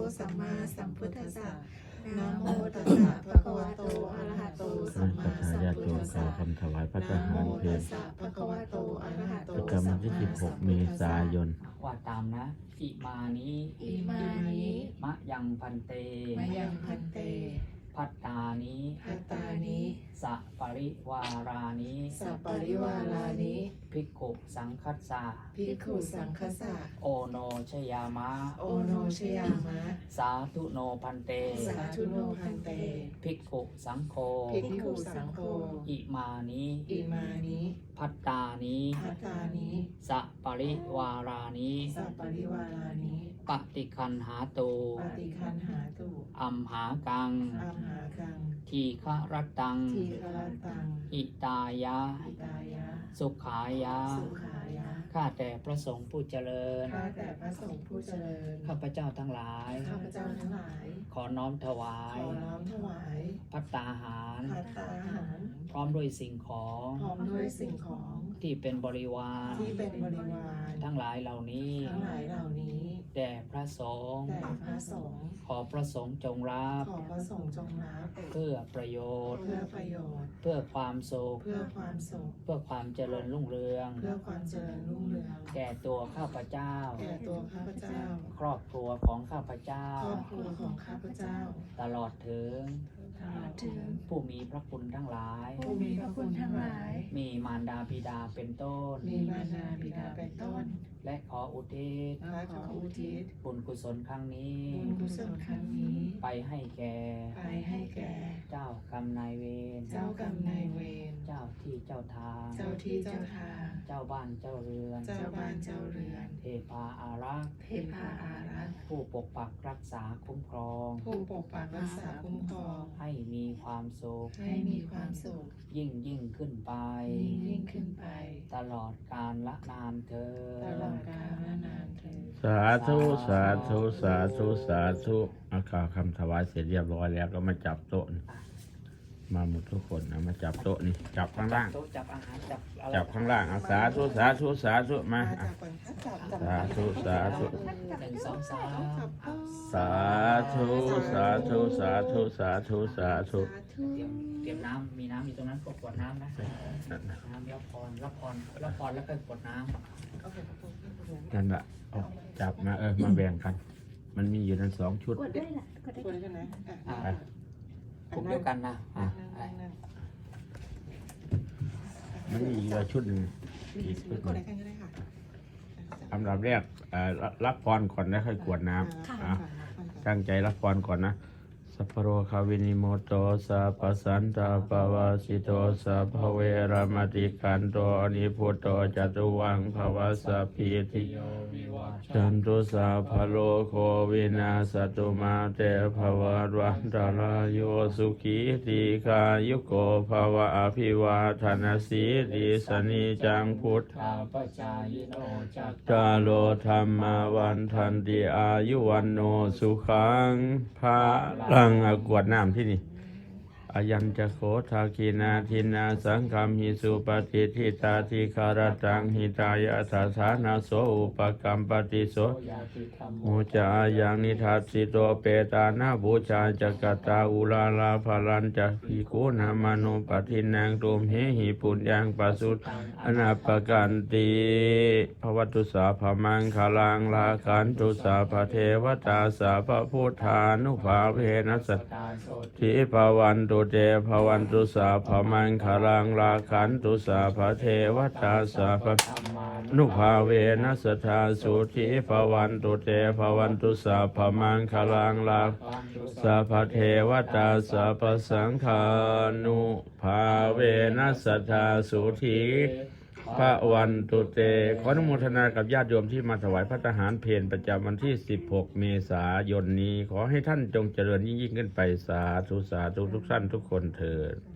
สัมมาสัมพุทธัสสะนะโมตัสสะภะคะวะโตอะระหะโตสัมมาสัมพุทธัสสะคำถวายพระทนะหาโมรเพตัลสสะภะคะวะโตอะระหะโตประจำวันที่ 16 เมษายนว่าตามนะอิมานิอิมานิมะยังพันเตมะยังพันเตพัตตานิภัตตานิสะปริวารานิสัปปริวารานิภิกขุสังคัสสะภิกขุสังฆสะโอโนชยามะโอโนชยามะสาธุโนพันเตสาธุโนพันเตภิกขุสังโฆภิกขุสังโฆอิมานิอิมานิพัตตานิภัตตานิสะปริวารานิสัปปริวารานิปฏิคันหาตูปฏิคันหาตุอัมหากังอัมหากังทีฆรัตตังทีฆรัตตังอิตายะอิตายะสุขายะสุขายะข้าแต่พระสงฆ์ผู้เจริญข้าแต่พระสงฆ์ผู้เจริญข้าพเจ้าทั้งหลายข้าพเจ้าทั้งหลายขอน้อมถวาขยอน้อมถวายภัตตาหารภัตตาหารพร้อมด้วยสิ่งของพร้อมด้วยสิ่งของที่เป็นบริวารที่เป็นบริวารทั้งหลายเหล่านี้ทั้งหลายเหล่านี้แด่พระสงฆ์แต่พระสงฆ์ขอพระสงฆ์จงรับขอพระสงฆ์จงรับเพื่อประโยชน์เพื่อประโยชน์เพื่อความสุขเพื่อความสุขเพื่อความเจริญรุ่งเรืองเพื่อความเจริญรุ่งเรืองแก่ตัวข้าพเจ้าแก่ตัวข้าพเจ้าครอบครัวของข้าพเจ้าครอบครัวของข้าพเจ้าตลอดถึงตลอดถึงผู้มีพระคุณทั้งหลายผู้มีพระคุณทั้งหลายมีมารดาบิดาเป็นต้นมีมารดาบิดาเป็นต้นและขออุทิศและขออุทิศบุญกุศลครั้งนี้บุญกุศลครั้งนี้ไปให้แก่ไปให้แก่เจ้ากรรมนายเวรเจ้ากรรมนายเวรเจ้าที่เจ้าทางเจ้าที่เจ้าทางเจ้าบ้านเจ้าเรือนเจ้าบ้านเจ้าเรือนเทพาอารักษ์เทพาอารักษ์ผู้ปกปักรักษาคุ้มครองผู้ปกปักรักษาคุ้มครองให้มีความสุขให้มีความสุขยิ่งขึ้นไปยิ่งขึ้นไปตลอดกาลละนานเธอตลอดกาลนานเถิดสาธุ สาธุ สาธุ สาธุเอาข่าวคำถวายเสร็จเรียบร้อยแล้วก็มาจับโต๊ะนี่มาหมดทุกคนนะมาจับโต๊ะนี่จับข้างล่างโต๊ะจับอาหารจับอะไรจับข้างล่างเอาสาธุ สาธุ สาธุมาอ่ะสาธุ สาธุ 1 2 3 สาธุ สาธุ สาธุ สาธุ สาธุเตรียมน้ำมีน้ำอยู่ตรงนั้นก็กดน้ำนะน้ำรับพรแล้วก็กดน้ำนั่นแหละเอาจับมามาแบ่งกัน มันมีอยู่นั้น2 ชุดกดได้ใช่ไหมไปกลุ่มเดียวกันนะมันมีอีกชุดหนึ่งอีกชุดหกดนึ่ได้งกันก็ได้ค่ะอันดับแรกรับพรก่อนแล้วค่อยกรวดน้ำตั้งใจรับพรก่อนนะสัพพโรคาวินิโมโตสัพพสันตาปวาสิโตสัพพเวรมติกันโตอนิพุตโตจตุวังภวสัพพิติโยจันตุสัพพโลโควินาสตุมาเตภวัตวันตรายโยสุขีติกายุโกภวะอภิวาทนาสีริสนิจังพุทธข้าพเจ้ายิโนจักกาโลธรรมวันทันติอายุวันโนสุขังภาลังกวดน้ำที่นี่อายัญจะโคทาคีนาทินาสังคมหิสุปฏิทิตาทิคารตังหิตายะทัสานาโสอุปกรรมปฏิโสยาติธรรมโมจายังนิทัสสิโตเปตานาบูชาจักตาอุลาลาภลันจะภิกขุนามโนปทินังตุมเหหิปุญญังปัสสุตอนาปกันติภวัตุสาภมังคลังลาคันตุสาภเทวตาสาภพุทธานุภาเวนัสสตาโสทิภวันตุเตภวันตุสาภมังคลังลาคันตุสาภเทวตาสาภธรรมานุภาเวนัสธาสุธิภวันตุเตภวันตุสาภมังคลังลาปันตุสาภเทวตาสาภสังฆานุภาเวนัสธาสุธิพระวันตุเตขออนุโมทนากับญาติโยมที่มาถวายพระทหารเพลประจำวันที่16 เมษายนนี้ขอให้ท่านจงเจริญยิ่งขึ้นไปสาธุสาธุทุกท่านทุกคนเถิด